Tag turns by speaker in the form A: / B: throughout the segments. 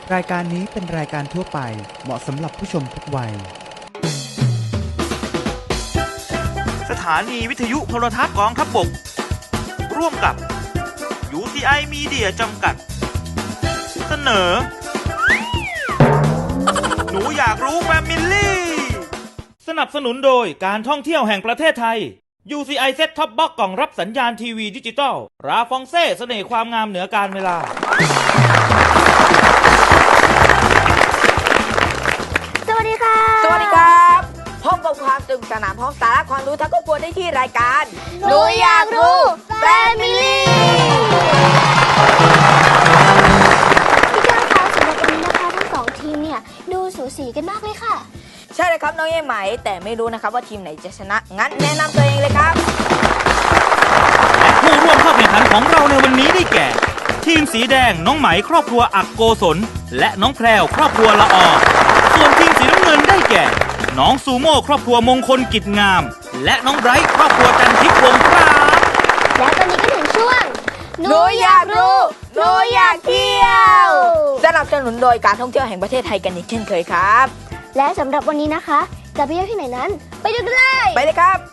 A: รายการนี้เป็นรายการทั่วไปเหมาะสำหรับผู้ชมทุกวัย
B: สถานีวิทยุโทรทัศน์กองทัพบกร่วมกับ UTI Media จำกัดเสนอหนูอยากรู้แฟมิลี่สนับสนุนโดยการท่องเที่ยวแห่งประเทศไทย UCI Set Top Box กล่องรับสัญญาณทีวีดิจิตอลราฟองเซ่เสน่ห์ความงามเหนือการเวลา
C: สวัสดีค่ะ
D: สวัสดีครับพบกับความสนุกสนานพร้อมสาระความรู้ทั้งครอบครัวได้ที่รายการ
C: หนูอยากรู้แฟมิลี่พี่แก้วคะสำหรับวันนี้นะคะทั้งสองทีมเนี่ยดูสูสีกันมากเลยค่ะ
D: ใช่เลยครับน้องเอ๋ไหมแต่ไม่รู้นะครับว่าทีมไหนจะชนะงั้นแนะนำตัวเองเลยครับ
B: และผู้ร่วมเข้าแข่งขันของเราในวันนี้ได้แก่ ทีมสีแดงน้องไหมครอบครัวอักโกศลและน้องแพรวครอบครัวละออส่วนทีมสีน้ำเงินได้แก่น้องซูโม่ครอบครัวมงคลกิจงามและน้องไบรท์ครอบครัวจันทิพย์วงศ์ครับ
C: และตอนนี้ก็ถึงช่วง
D: หนูอยากรู้หนูอยากเที่ยวสนับสนุนโดยการท่องเที่ยวแห่งประเทศไทยกันอีกเช่นเคยครับ
C: และสำหรับวันนี้นะคะจะไปเที่ยวที่ไหนนั้นไปดูกันเลย
D: ไปเลยครับ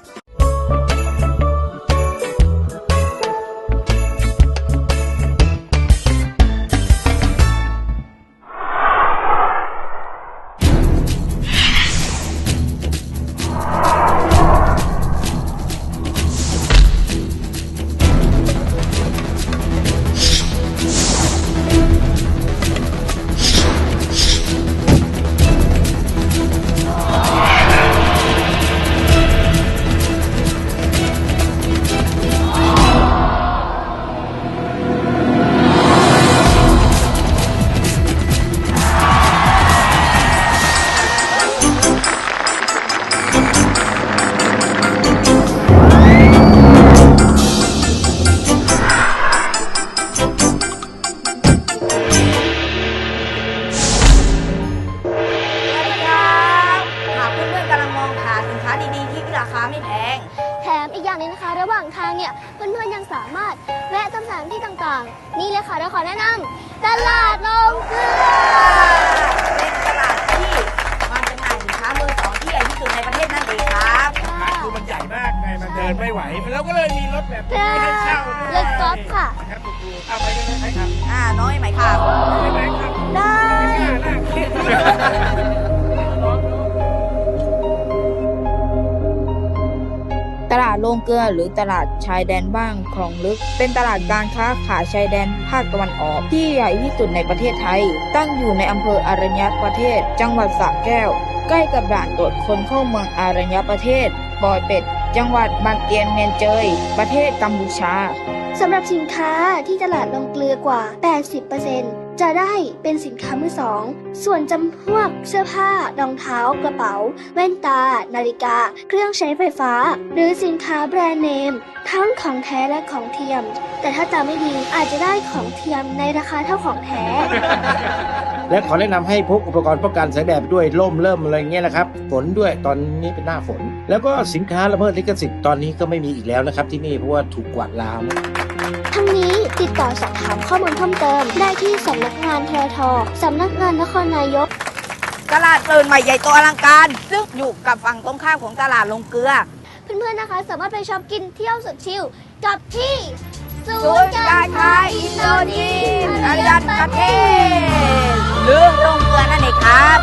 C: ระหว่างทางเนี่ยเพื่อนๆยังสามารถแวะตามสถานที่ต่างๆนี่เลยค่ะเราขอแนะนำตลาดลงเกลือ
D: เป็นตลาดที่มันจำหน่ายสินค้ามือสองที่ใหญ่ที่สุดในประเทศนั่นเองครับ
E: คือมันใหญ่มากไงมันเดินไม่ไหวแล้วก็เลยมีรถแบบนี้ให้เช่าด้วย
C: รถกอล์ฟค่ะ
E: ครับดูเอาไปกันเลยครับ
D: น้อยไหมครับ
E: ไหมครับ
C: ได้
D: ตลาดโรงเกลือหรือตลาดชายแดนบ้างคลองลึกเป็นตลาดการค้าขายชายแดนภาคตะวันออกที่ใหญ่ที่สุดในประเทศไทยตั้งอยู่ในอำเภออรัญญประเทศจังหวัดสระแก้วใกล้กับด่านตรวจคนเข้าเมืองอรัญญประเทศปอยเป็ดจังหวัดบันเตียนเมียนเจยประเทศกัมพูชา
C: สำหรับสินค้าที่ตลาดลงเกลือกว่า 80%จะได้เป็นสินค้ามือสองส่วนจำพวกเสื้อผ้ารองเท้ากระเป๋าแว่นตานาฬิกาเครื่องใช้ไฟฟ้าหรือสินค้าแบรนด์เนมทั้งของแท้และของเทียมแต่ถ้าจำไม่ดีอาจจะได้ของเทียมในราคาเท่าของแท้
E: และขอแนะนำให้พกอุปกรณ์ป้องกันแสงแดดด้วยร่มเริ่มอะไรเงี้ยนะครับฝนด้วยตอนนี้เป็นหน้าฝนแล้วก็สินค้าละเมิดลิขสิทธิ์ตอนนี้ก็ไม่มีอีกแล้วนะครับที่นี่เพราะว่าถูกกวาดล้าง
C: ทั้งนี้ติดต่อสอบถามข้อมูลเพิ่มเติมได้ที่สำนักงานททสำนักงานนครนายก
D: ตลาดเปิดใหม่ใหญ่โตอลังการซึ่งอยู่กับฝั่งตรงข้ามของตลาดลงเกลือ
C: เพื่อนๆนะคะสามารถไปช็อปกินเที่ยวสุดชิลกับที่
D: ศูนย์การค้าอินโดจีนอรัญญประเทศหรือโรงเกลือนั่นเองครับ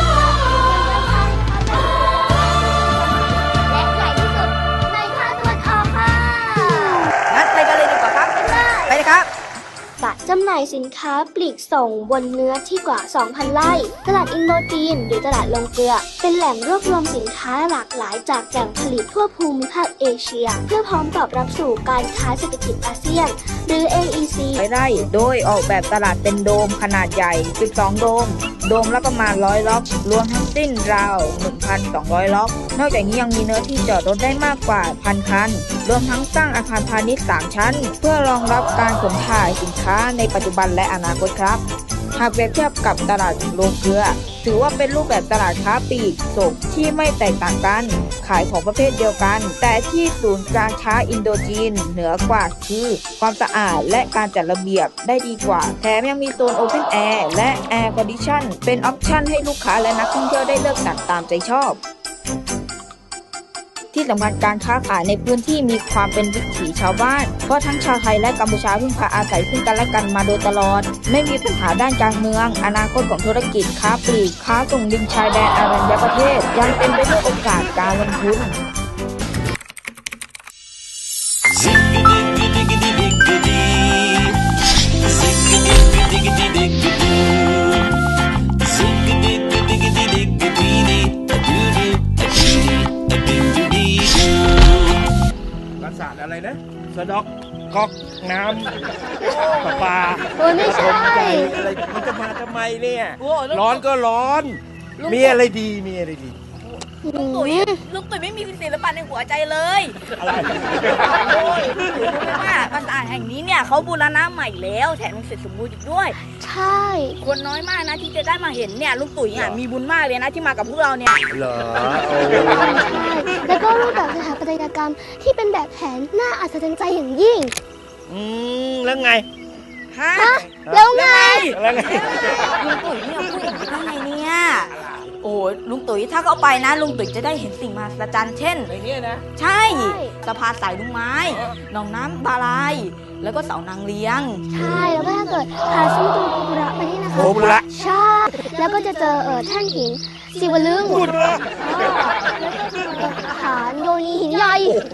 C: และใหญ่ที่สุดในภาคตะวันออกค่ะ
D: งั้นไปกันเลยดีกว่าครับไปเลยครับ
C: จำหน่ายสินค้าปลีกส่งบนเนื้อที่กว่า 2,000 ไร่ตลาดอินโดจีนหรือตลาดลงเกลือเป็นแหล่งรวบรวมสินค้าหลากหลายจากแหล่งผลิตทั่วภูมิภาคเอเชียเพื่อพร้อมตอบรับสู่การค้าเศรษฐกิจอาเซียนหรือ AEC
D: ไร่โดยออกแบบตลาดเป็นโดมขนาดใหญ่ 12 โดมละประมาณ100 ล็อกรวมทั้งสิ้นราว 1,200 ล็อกนอกจากนี้ยังมีเนื้อที่จอดรถได้มากกว่า 1,000 คันรวมทั้งสร้างอาคารพาณิชย์ 3 ชั้นเพื่อรองรับการขนถ่ายสินค้าในปัจจุบันและอนาคตครับหากเปรียบเทียบกับตลาดโรงเกลือถือว่าเป็นรูปแบบตลาดค้าปลีกส่งที่ไม่แตกต่างกันขขายของประเภทเดียวกัน แต่ที่ศูนย์การค้าอินโดจีนเหนือกว่าคือความสะอาดและการจัดระเบียบได้ดีกว่าแถมยังมีโซนโอเพนแอร์และแอร์คอนดิชันเป็นออปชั่นให้ลูกค้าและนักท่องเที่ยวได้เลือกตัดตามใจชอบ ที่สำคัญการค้าขายในพื้นที่มีความเป็นวิถีชาวบ้านเพราะทั้งชาวไทยและกัมพูชาพึ่งพาอาศัยซึ่งกันและกันมาโดยตลอดไม่มีปัญหาด้านการเมืองอนาคตของธุรกิจค้าปลีกค้าส่งดินชายแดนอรัญญประเทศยังเป็นไปด้วยโอกาสการลงทุน
E: ปราสาทอะไรนะสะดอกก๊อกน้ำประปา
C: โอ้ยไม่ใช่
E: ปฐมใจอะไรมันจะมาทำไมเนี่ย
F: โอ้แล้ว
E: ร้อนก็ร้อน
F: ลุง
E: มีอะไรดีมีอะไรดี
F: ลุงตุ๋ยไม่มีศิลปะในหัวใจเลย
E: อะไร
F: โอ้ยลุงตุ๋ยรู้ไหมว่าปราสาทแห่งนี้เนี่ยเขาบูรณะใหม่แล้วแถมยังเสร็จสมบูรณ์อีกด้วย
C: ใช่
F: คนน้อยมากนะที่จะได้มาเห็นเนี่ยลุงตุ๋ยอ่ะมีบุญมากเลยนะที่มากับพวกเราเนี่ย
E: เหรอโอ้
C: แล้วก็รูปแบบสถาปัตยกรรมที่เป็นแบบแผนน่าอัศจรรย์ใจอย่างยิ่ง
E: แล้วไง
F: ฮะ
C: แล้วไง
E: แล้วไง
F: ลุงตุ๋ยเนี่ยพูดอย่างนี้ได้ไงเนี่ยโอ้ยลุงตุ๋ยถ้าเขาไปนะลุงตุ๋ยจะได้เห็นสิ่งมหัศจรรย์เช่น
E: ในเนี้ยนะ
F: ใช่
C: ใช่
F: สะพานสายลุงไม้หนองน้ำบาลาย แล้วก็เสานางเลี้ยง
C: ใช่ แล้วก็ถ้าเกิดผ่านซุ้มประตูโคบุระไปนี่นะคะ
E: โคบุระ
C: ใช่ แล้วก็จะเจอแท่นหินศิวลึง
E: พูดเหรอ
C: แล้วก็เจอฐานโยนีหินใหญ่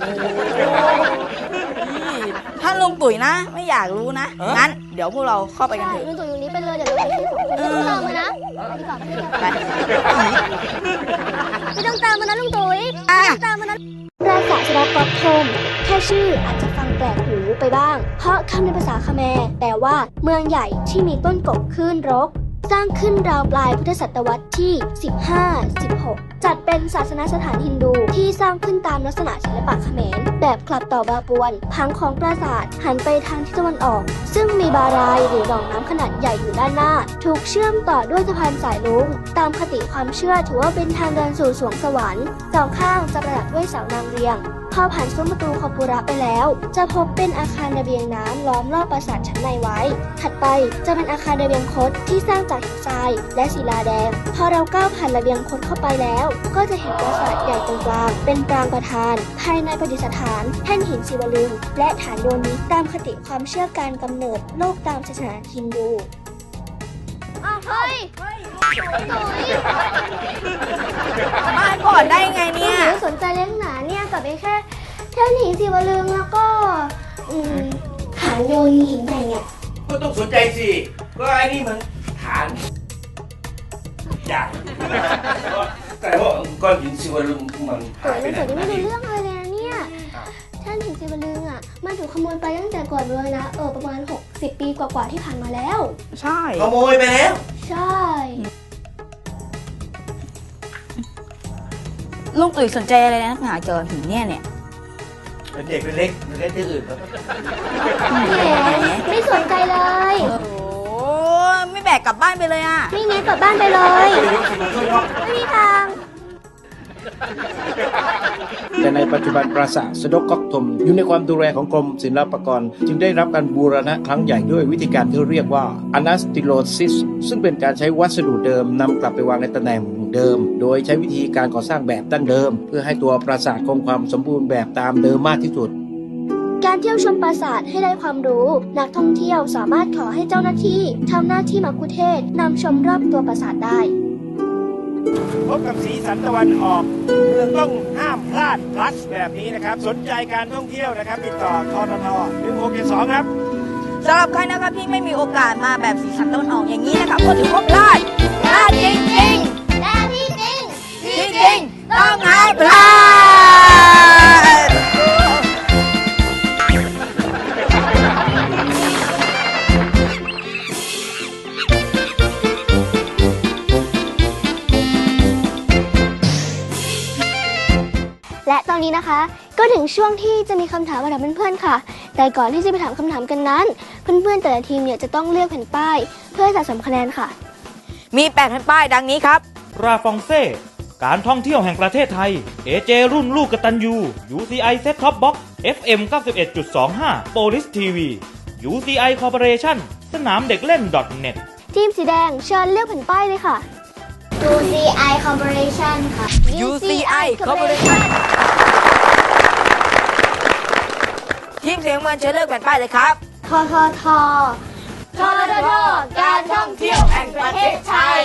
F: ถ้าลุงตุ๋ยนะ ไม่อยากรู้นะ งั้นเดี๋ยวพวกเราเข้าไปกัน
C: ใช่
F: เถอะ
C: ลุงตุ๋ยอยู่นี้ไปเลย เดี๋ยวเราไปที่สองคนไม่ต้องตามมานะไปดีกว่าไปดีกว่า
F: ไป
C: ไม่ต้องตามมานะลุงตุ๋ย
F: อ่ะ
C: ไม่ต้องตามมานะปราสาทสระกอบทมแค่ชื่ออาจจะฟังแปลกหูไปบ้าง เพราะคำในภาษาคแมร์แปลว่าเมืองใหญ่ที่มีต้นกกคลื่นรก สร้างขึ้นราวปลายพุทธศตวรรษที่ 15-16 จัดเป็นศาสนสถานฮินดูที่สร้างขึ้นตามลักษณะศิลปะเขมรแบบกลับต่อบาปวนผังของปราสาทหันไปทางทิศตะวันออก ซึ่งมีบารายหรือหนองน้ำขนาดใหญ่อยู่ด้านหน้า ถูกเชื่อมต่อด้วยสะพานสายลุงตามคติความเชื่อถือว่าเป็นทางเดินสู่สวงสวรรค์สองข้างจะประดับด้วยเสานางเรียง พอผ่านซุ้มประตูคอปุระไปแล้ว จะพบเป็นอาคารระเบียงน้ำล้อมรอบปราสาทชั้นในไว้ ถัดไปจะเป็นอาคารระเบียงคดที่สร้างจากหินทรายและศิลาแดง พอเราก้าวผ่านระเบียงคดเข้าไปแล้ว ก็จะเห็นปราสาทใหญ่ตรงกลางเป็นปรางประธาน ภายในประดิษฐานแท่นหินศิวลึงและฐานโยนิตามคติความเชื่อการกำเนิดโลกตามศาสนาฮินดูเฮ้ย
F: มาก่อนได้ไงเนี่ย
C: หนูสนใจเลี้ยงหนาเนี่ยกับไอ้แค่แท่นหินศิวลึงแล้วก็ฐานโยนีหินใหญ่เนี่ย
E: ก็ต้องสนใจสิ ก็ไอ้นี่มันฐานใหญ่แต่ว่าก้อนหินสิวลึงมัน
C: เปิ
E: หาย
C: ด
E: ไป
C: เรื่อง
E: ไหน
C: เปิดนี่ไม่รู้เรื่องอะไรเลยนะเนี่ยแท่นหินศิวลึงอ่ะมันถูกขโมยไปตั้งแต่ก่อนเลยนะประมาณ60 ปีกว่าๆที่ผ่านมาแล้ว
F: ใช่
E: ขโมยไปแล้ว
C: ใช่
F: ลุงตุ๋ยสนใจอะไรนักหนาเจอหินเนี่ย
E: เป็นเด็กเป็นเล็กมันเล่นที่อื่นแล้ว
C: แหมไม่สนใจเลย
F: โอ้ไม่แบกกลับบ้านไปเลยอ่ะ
C: ไม่งั้นกลับบ้านไปเลย ไม่มีทาง
E: แต่ในปัจจุบันปราสาทสะดกก๊อกทมอยู่ในความดูแลของกรมศิลปากรจึงได้รับการบูรณะครั้งใหญ่ด้วยวิธีการที่เรียกว่า Anastilosis ซึ่งเป็นการใช้วัสดุเดิมนำกลับไปวางในตำแหน่งเดิม โดยใช้วิธีการก่อสร้างแบบดั้งเดิม เพื่อให้ตัวปราสาทคงความสมบูรณ์แบบตามเดิมมากที่สุด
C: การเที่ยวชมปราสาทให้ได้ความรู้ นักท่องเที่ยวสามารถขอให้เจ้าหน้าที่ทำหน้าที่มัคคุเทศก์นำชมรอบตัวปราสาทได้
E: พบกับสีสันตะวันออกเมืองต้องห้ามพลาดพลัสแบบนี้นะครับ สนใจการท่องเที่ยวนะครับ ติดต่อททท1672ครับ
F: สำหรับใครนะครับที่ไม่มีโอกาสมาแบบสีสันตะวันออกอย่างนี้นะครับก็ถือว่าพลาดจริง
C: แต่ที่จริง
F: ๆที่จริงต้องห้ามพลาด
C: และตอนนี้นะคะ ก็ถึงช่วงที่จะมีคำถามมาถามเพื่อนๆค่ะ แต่ก่อนที่จะไปถามคำถามกันนั้น เพื่อนๆแต่ละทีมเนี่ยจะต้องเลือกแผ่นป้าย เพื่อสะสมคะแนนค่ะ
F: มี8แผ่นป้ายดังนี้ครับ
B: ราฟองเซ่การท่องเที่ยวแห่งประเทศไทย AJ รุ่นลูกกตัญญู UCI Set Top Box FM 91.25 Police TV UCI Corporation สนามเด็กเล่น .net
C: ทีมสีแดงเชิญเลือกแผ่นป้ายเลยค่ะ UCI Corporation ค่ะ
D: UCI Corporation ทีมเสียงมันเชิญเลือกแผ่นป้ายเลยครับ
C: ทททการท่องเที่ยวแห่งประเทศไทย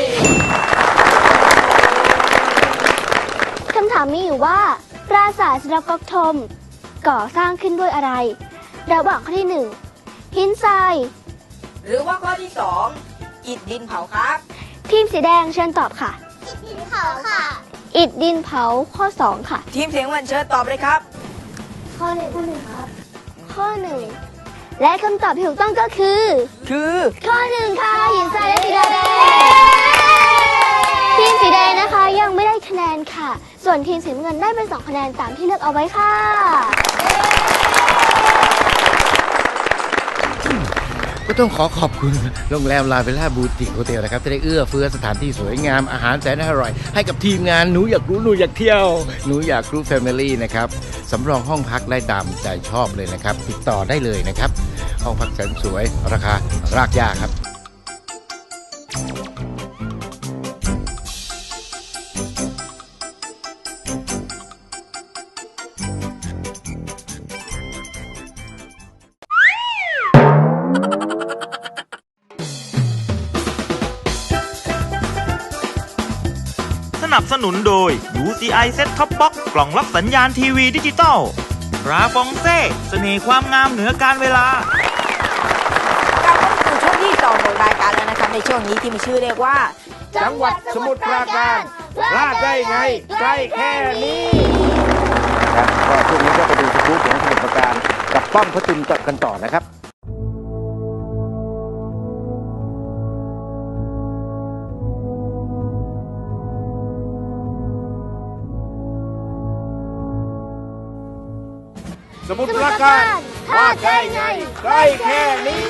C: คำถามมีอยู่ว่า ปราสาทศิลปก๊อกธมก่อสร้างขึ้นด้วยอะไร ระหว่างข้อที่ 1 หินทราย
D: หรือว่าข้อที่ 2 อิฐดินเผาครับ
C: ทีมสีแดงเชิญตอบค่ะ อิฐดินเผาค่ะ อิฐดินเผาข้อ 2 ค่ะ
D: ทีมเสียงมันเชิญตอบเลยครับ
C: ข้อหนึ่งครับ ข้อ 1 และคำตอบที่ถูกต้องก็คือ ข้อ 1 ค่ะ หินทรายและสีแดง ทีมสีแดงนะคะยังไม่ได้คะแนนค่ะ ส่วนทีมสีน้ำเงินได้ไป2คะแนนตามที่เลือกเอาไว้ค่ะ
E: ก็ต้องขอขอบคุณโรงแรมลาเวลล่าบูติกโฮเทลนะครับที่ได้เอื้อเฟื้อสถานที่สวยงามอาหารแสนอร่อยให้กับทีมงานหนูอยากรู้หนูอยากเที่ยวหนูอยากรู้แฟมิลี่นะครับสำรองห้องพักได้ตามใจชอบเลยนะครับติดต่อได้เลยนะครับห้องพักแสนสวยราคารากหญ้าครับ
B: สนับสนุนโดย UCI Set Top Box กล่องรับสัญญาณทีวีดิจิตอลราฟองเซ่เสน่ห์ความงามเหนือการเวลาก
D: ลับมาสู่ช่วงที่ 2 ของรายการแล้วนะครับในช่วงนี้ที่มีชื่อเรียกว่า
E: จังหวัดสมุทรปราการพลาดได้ไงใกล้แค่นี้ครับก็ช่วงนี้ก็ไปดูสกู๊ปของสมุทรปราการกับป้อมพระจุลกันต่อนะครับสมุทรปราการพลาดได้ไงใกล้แค่นี้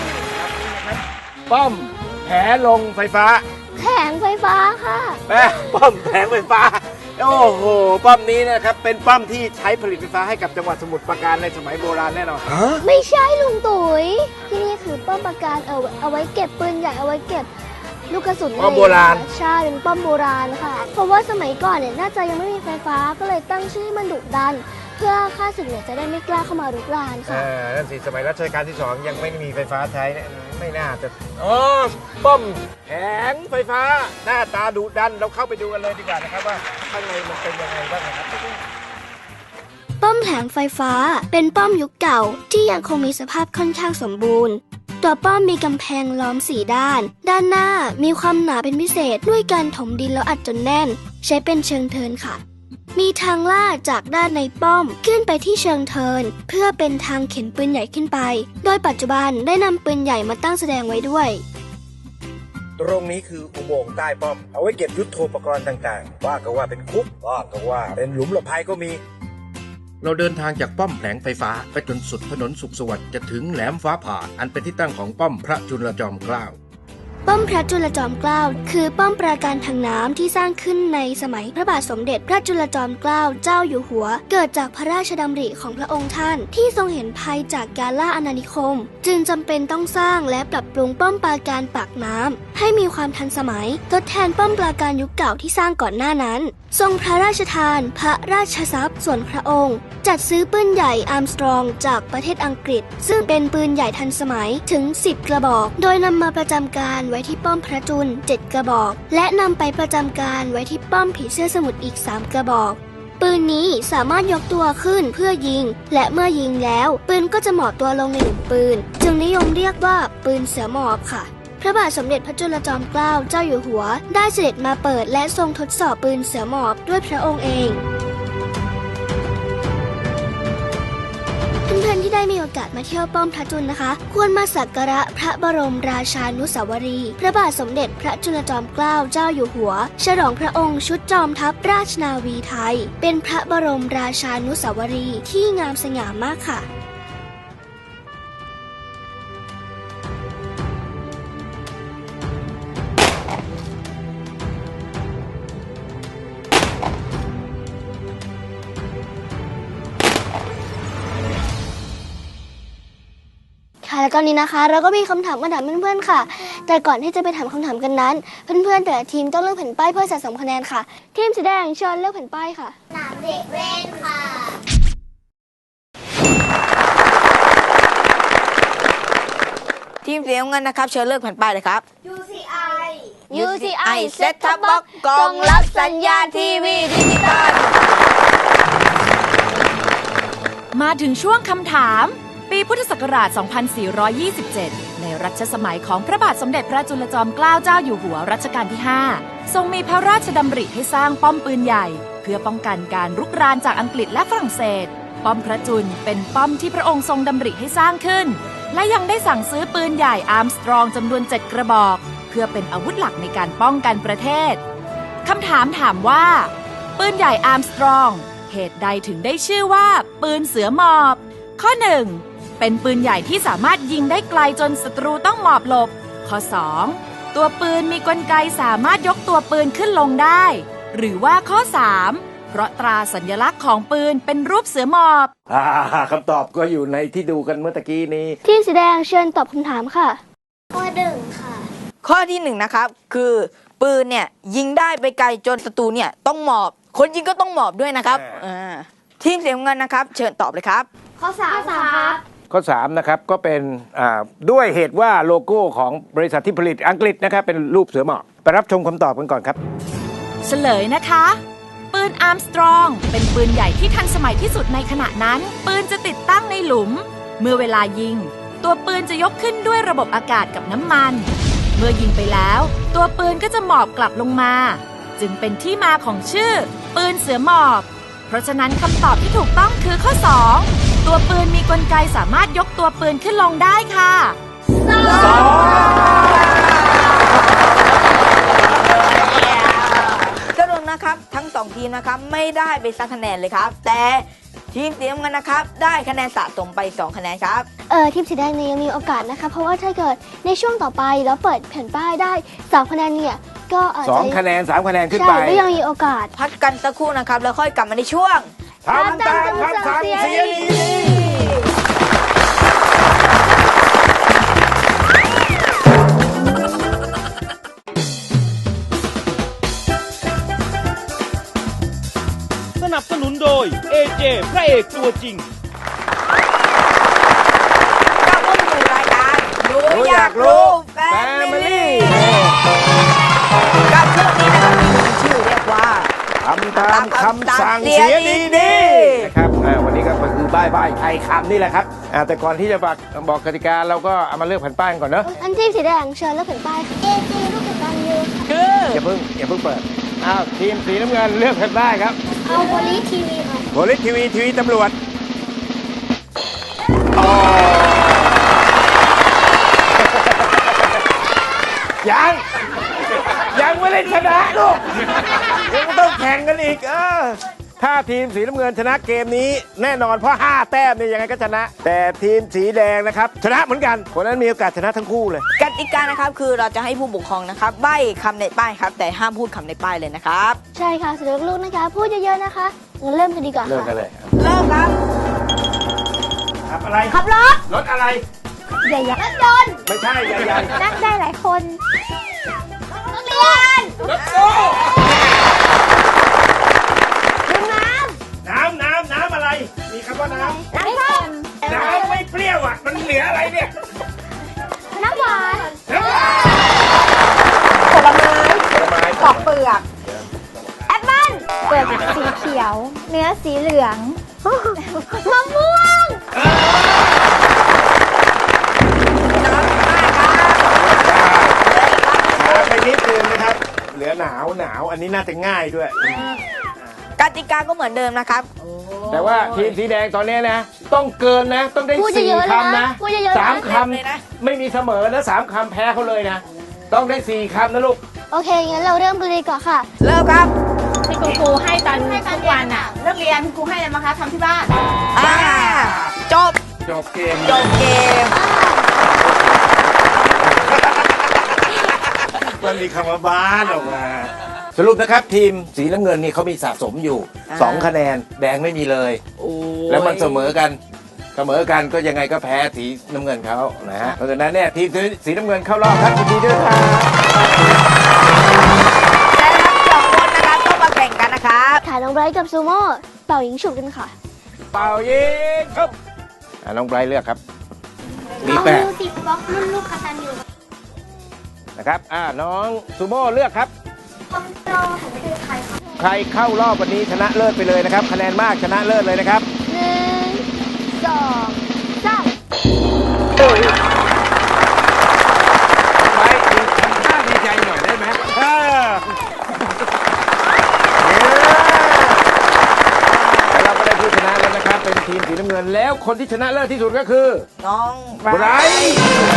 E: ป้อมแผลงไฟฟ้า
C: แผงไฟฟ้าค่ะ
E: ป้อมแผงไฟฟ้าโอ้โหป้อมนี้นะครับเป็นป้อมที่ใช้ผลิตไฟฟ้าให้กับจังหวัดสมุทรปราการในสมัยโบราณแน่นอน
C: ไม่ใช่ลุงตุ๋ยที่นี่คือป้อมปราการเอาไว้เก็บปืนใหญ่เอาไว้เก็บลูกกระสุน
E: ป้อมโบราณ
C: ใช่เป็นป้อมโบราณค่ะ เพราะว่าสมัยก่อนเนี่ยน่าจะยังไม่มีไฟฟ้าก็เลยตั้งชื่อให้มันดุดัน เพื่อข้าศึกเนี่ยจะได้ไม่กล้าเข้ามารุกรานค่ะ
E: นั่นสิสมัยรัชกาลที่ 2ยังไม่มีไฟฟ้าใช้เนี่ยไม่น่าจะป้อมแผงไฟฟ้าหน้าตาดุดันเราเข้าไปดูกันเลยดีกว่านะครับว่าข้างในมันเป็นยังไงบ้างนะครับ
C: ป้อมแผงไฟฟ้าเป็นป้อมยุคเก่าที่ยังคงมีสภาพค่อนข้างสมบูรณ์ ตัวป้อมมีกำแพงล้อม4ด้าน ด้านหน้ามีความหนาเป็นพิเศษด้วยการถมดินแล้วอัดจนแน่น ใช้เป็นเชิงเทินค่ะ มีทางลาดจากด้านในป้อมขึ้นไปที่เชิงเทินเพื่อเป็นทางเข็นปืนใหญ่ขึ้นไป โดยปัจจุบันได้นำปืนใหญ่มาตั้งแสดงไว้ด้วย
E: ตรงนี้คืออุโมงค์ใต้ป้อมเอาไว้เก็บยุทโธปกรณ์ต่างๆว่าก็ว่าเป็นคุกว่าก็ว่าเป็นหลุมหลบภัยก็มี เราเดินทางจากป้อมแผงไฟฟ้าไปจนสุดถนนสุขสวัสดิ์จะถึงแหลมฟ้าผ่าอันเป็นที่ตั้งของป้อมพระจุลจอมเกล้า
C: ป้อมพระจุลจอมเกล้าคือป้อมปราการทางน้ำที่สร้างขึ้นในสมัยพระบาทสมเด็จพระจุลจอมเกล้าเจ้าอยู่หัวเกิดจากพระราชดำริของพระองค์ท่านที่ทรงเห็นภัยจากการล่าอาณานิคมจึงจำเป็นต้องสร้างและปรับปรุงป้อมปราการปากน้ำให้มีความทันสมัยทดแทนป้อมปราการยุคเก่าที่สร้างก่อนหน้านั้นทรงพระราชทานพระราชทรัพย์ส่วนพระองค์จัดซื้อปืนใหญ่อาร์มสตรองจากประเทศอังกฤษซึ่งเป็นปืนใหญ่ทันสมัยถึง10กระบอกโดยนำมาประจำการไว้ที่ป้อมพระจุล7กระบอกและนำไปประจำการไว้ที่ป้อมผีเสื้อสมุทรอีก3กระบอกปืนนี้สามารถยกตัวขึ้นเพื่อยิงและเมื่อยิงแล้วปืนก็จะหมอบตัวลงในหลุมปืนจึงนิยมเรียกว่าปืนเสือหมอบค่ะพระบาทสมเด็จพระจุลจอมเกล้าเจ้าอยู่หัวได้เสด็จมาเปิดและทรงทดสอบปืนเสือหมอบด้วยพระองค์เองเพื่อนๆที่ได้มีโอกาสมาเที่ยวป้อมพระจุลนะคะควรมาสักการะพระบรมราชานุสาวรีย์พระบาทสมเด็จพระจุลจอมเกล้าเจ้าอยู่หัวฉลองพระองค์ชุดจอมทัพราชนาวีไทยเป็นพระบรมราชานุสาวรีย์ที่งามสง่ามากค่ะแล้วตอนนี้นะคะ เราก็มีคำถามมาถามเพื่อนๆค่ะ แต่ก่อนที่จะไปถามคำถามกันนั้น เพื่อนๆแต่ละทีมต้องเลือกแผ่นป้ายเพื่อสะสมคะแนนค่ะ ทีมสีแดงเชิญเลือกแผ่นป้ายค่ะสนามเด็กเล่นค่ะ
F: ทีมสีน้ำเงินนะครับเชิญเลือกแผ่นป้ายเลยครับ
C: UCI
F: Set Top Box กล่องรับสัญญาณทีวีดิจิตอล
G: มาถึงช่วงคำถาม ปีพุทธศักราช 2427 ในรัชสมัยของพระบาทสมเด็จพระจุลจอมเกล้าเจ้าอยู่หัวรัชกาลที่ 5 ทรงมีพระราชดำริให้สร้างป้อมปืนใหญ่ เพื่อป้องกันการรุกรานจากอังกฤษและฝรั่งเศส ป้อมพระจุลเป็นป้อมที่พระองค์ทรงดำริให้สร้างขึ้น และยังได้สั่งซื้อปืนใหญ่อาร์มสตรองจำนวน 7 กระบอก เพื่อเป็นอาวุธหลักในการป้องกันประเทศคำถามถามว่า ปืนใหญ่อาร์มสตรองเหตุใดถึงได้ชื่อว่า ปืนเสือหมอบ ข้อ 1. เป็นปืนใหญ่ที่สามารถยิงได้ไกลจนศัตรูต้องหมอบหลบ ข้อ 2. ตัวปืนมีกลไกสามารถยกตัวปืนขึ้นลงได้ หรือว่าข้อ 3. เพราะตราสัญลักษณ์ของปืนเป็นรูปเสือหมอบ
E: คำตอบก็อยู่ในที่ดูกันเมื่อตะกี้นี้
C: ทีมสีแดงเชิญตอบคำถามค่ะ ข้อ 1 ค่ะ
F: ข้อที่1นะครับคือปืนเนี่ยยิงได้ไปไกลจนศัตรูเนี่ยต้องหมอบ คนยิงก็ต้องหมอบด้วยนะครับทีมสีน้ำเงินนะครับเชิญตอบเลยครับ
C: ข้อ 3 ครับ
E: ข้อ3นะครับก็เป็นด้วยเหตุว่าโลโก้ของบริษัทที่ผลิตอังกฤษนะครับเป็นรูปเสือหมอบไปรับชมคำตอบกันก่อนครับ
G: เฉลยนะคะ ปืนอาร์มสตรองเป็นปืนใหญ่ที่ทันสมัยที่สุดในขณะนั้น ปืนจะติดตั้งในหลุม เมื่อเวลายิง ตัวปืนจะยกขึ้นด้วยระบบอากาศกับน้ำมัน เมื่อยิงไปแล้ว ตัวปืนก็จะหมอบกลับลงมา จึงเป็นที่มาของชื่อ ปืนเสือหมอบ เพราะฉะนั้นคำตอบที่ถูกต้องคือข้อ 2 ตัวปืนมีกลไกสามารถยกตัวปืนขึ้นลงได้ค่ะ
F: สรุปนะครับทั้ง2ทีมนะครับไม่ได้ไปสักคะแนนเลยครับ แต่ทีมสีน้ำเงินนะครับได้คะแนนสะสมไป2คะแนนครับ
C: ทีมสีแดงเนี่ยยังมีโอกาสนะคะ เพราะว่าถ้าเกิดในช่วงต่อไปแล้วเปิดแผ่นป้ายได้3คะแนนเนี่ยก็อาจจะ
E: 2 คะแนน 3 คะแนนขึ้น
C: ใช่
E: ไป
C: ก็ยังมีโอกาส
F: พักกันสักครู่นะครับแล้วค่อยกลับมาในช่วง
E: ทำตามคำสั่งเสียดี
B: สนับสนุนโดย AJ พระเอกตัวจริง
F: ก็เข้าสู่รายการดูอยากรู้แฟมิลี่กับช่วงนี้นะครับมีชื่อเรียกว่า
E: ทำตามคำสั่งเสียดีๆนะครับวันนี้ก็คือบ้ายไทยคำนี่แหละครับแต่ก่อนที่จะบอกกติกาเราก็เอามาเลือกแผ่นป้ายกันก่อนเนอะ
C: อันทีมสีแดงเชิญเลือกแผ่นป้ายค่ะ AG ลูกกระตันยูค่ะ
F: คือ
E: อย่าเพิ่งเปิดทีมสีน้ำเงินเลือกแผ่นป้ายครับ
C: เอาโพลีทีวีค่ะ
E: โพลิสทีวีตำรวจยังไม่ได้ชนะลูกยังต้องแข่งกันอีกถ้าทีมสีน้ำเงินชนะเกมนี้แน่นอนเพราะ5แต้มเนี่ยยังไงก็ชนะ แต่ทีมสีแดงนะครับชนะเหมือนกันคนนั้นมีโอกาสชนะทั้งคู่เลย
F: กติกานะครับคือเราจะให้ผู้ปกครองนะครับใบ้คำในป้ายครับแต่ห้ามพูดคำในป้ายเลยนะครับ
C: ใช่ค่ะสำหรับลูกนะคะ พูดเยอะๆนะคะงั้นเริ่มกันดีกว่า
E: เริ่ม
C: ค่ะ
E: กันเลย
F: เริ่มครับ
E: ขับอะไร
C: ขับรถ
E: รถอะไร
C: ใหญ่ๆรถยนต์
E: ไม่ใช่ใหญ่
C: นั่งได้หลายคนนักเรียน
E: ๆรถตู้
C: ดื่มน้
E: น้ำอะไร มีคำว่าน้
C: ำน้ำส้ม
E: ำน้ำไม่เปรี้ยวอ่ะมันเหลืออะไรเนี่ย
C: น้ำหวาน
E: น้ำ
C: ผลไม้
E: ผลไม้
C: ปอกเปลือกแอปเปิ้ลเปลือกสีเขียว เนื้อสีเหลืองมะม่วง
E: ไปนิดนึงนะครับ เหลือหนาวอันนี้น่าจะง่ายด้วย
F: กติกาก็เหมือนเดิมนะครับ
E: แต่ว่าทีมสีแดงตอนนี้นะ ต้องเกินนะ ต้องได้
C: พูดเยอะๆ
E: 4คำนะ
C: พูดเยอะๆ
E: 3 คำไม่มีเสมอนะ3 คำแพ้เขาเลยนะ ต้องได้4 คำนะลูก
C: โอเค งั้นเราเริ่มกันเลยดีกว่าค่ะ
F: เริ่มครับ
H: ที่คุณครูให้ตอนทุกวันอ่ะเลิกเรียนครูให้อะไรมาคะทำที่บ้าน
F: จบ
E: จบเกม
F: จบเกม
E: มันมีคำว่าบ้านออกมา สรุปนะครับทีมสีน้ำเงินนี่เขามีสะสมอยู่ 2 คะแนนแดงไม่มีเลย แล้วมันเสมอกันเสมอกันก็ยังไงก็แพ้สีน้ำเงินเขานะฮะเพราะฉะนั้นเนี่ยทีมสีน้ำเงินเข้ารอบครับยินดีด้วยครับ
F: และทั้งสองคนนะครับต้องมาแข่งกันนะครับ
C: ค่ะน้องไบรท์กับซูโม่เป่ายิงฉุบกันค่ะ
E: เป่ายิงครับน้องไบรท์เลือกครับมีแปด
C: มิวสิกบ็อกรุ่นลูกกตัญญู
E: นะครับน้องซูโม่เลือกครับ
C: คอมโตหันไปดูใครค่ะ
E: ใครเข้ารอบวันนี้ชนะเลิศไปเลยนะครับคะแนนมากชนะเลิศเลยนะครับ
C: 1 2 3
E: ไว้ทำท่าดีใจหน่อยได้ไหมแล้วเราก็ได้ผู้ชนะแล้วนะครับเป็นทีมสีน้ำเงินแล้วคนที่ชนะเลิศที่สุดก็คือ
F: น้อง
E: ไบรท์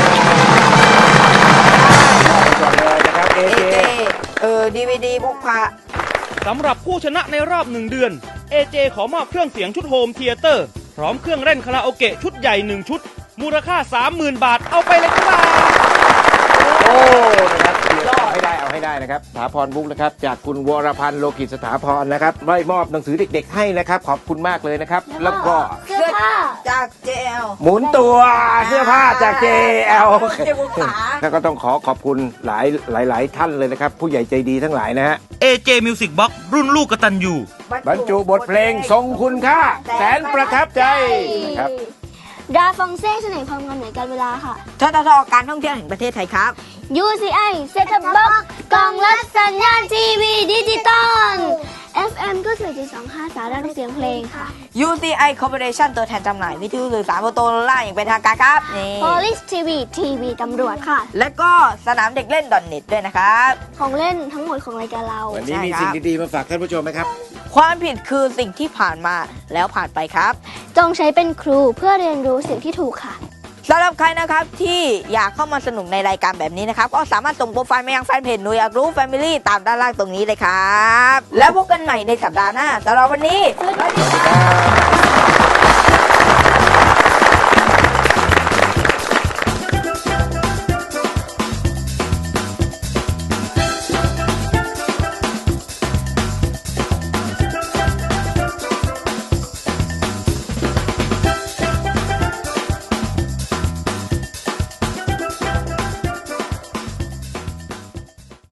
E: ก่อนเลยนะครับเอ
F: เอ
E: เจ
F: เจDVD พกพา
B: สำหรับผู้ชนะในรอบ1 เดือน AJ ขอมอบเครื่องเสียงชุดโฮมเธียเตอร์พร้อมเครื่องเล่นคาราโอเกะชุดใหญ่1 ชุด มูลค่า 30,000 บาทเอาไปเลยครับ
E: โอ้นะครับเอาให้ได้นะครับสถาพรบุ๊กนะครับจากคุณวรพันธ์โลกิจสถาพรนะครับได้มอบหนังสือเด็กๆให้นะครับขอบคุณมากเลยนะครับแล้วก็
C: เสื้อผ้า
F: จาก JL
E: หมุนตัวเสื้อผ้าจาก JL
F: เจ้าขา
E: แล้วก็ต้องขอบคุณหลายท่านเลยนะครับ ผู้ใหญ่ใจดีทั้งหลายนะฮะ
B: AJ Music Box รุ่นลูกกตัญญู
E: บรรจุบทเพลงทรงคุณค่าแสนประทับใจนะครับ
C: ดาฟองเซ่เสน่ห์ความงามเหนือการเวลาค่ะ
F: ทททการท่องเที่ยวแห่งประเทศไทยครับ
C: UCI เซ็ตท็อปบ็อกกล่องรับสัญญาณทีวีดิจิตอล FM ก็4.25 สารเสียงเพลงค่ะ
F: UCI Corporation ตัวแทนจำหน่ายวิทยุสื่อสารโมโตโรล่าอย่างเป็นทางการครับนี่
C: Police TV ทีวีตำรวจค่ะ
F: และก็สนามเด็กเล่นดอนเน็ตด้วยนะครับ
C: ของเล่นทั้งหมดของรายการเรา
E: วันนี้มีสิ่งดีๆมาฝากท่านผู้ชมไหมครับ
F: ความผิดคือสิ่งที่ผ่านมาแล้วผ่านไปครับ
C: จงใช้เป็นครูเพื่อเรียนรู้สิ่งที่ถูกค่ะ
F: สำหรับใครนะครับที่อยากเข้ามาสนุกในรายการแบบนี้นะครับ ก็สามารถส่งโปรไฟล์มายังแฟนเพจหนูอยากรู้ Family ตามด้านล่างตรงนี้เลยครับ แล้วพบกันใหม่ในสัปดาห์หน้าสำหรับวันนี้
C: สวัสดีค่ะ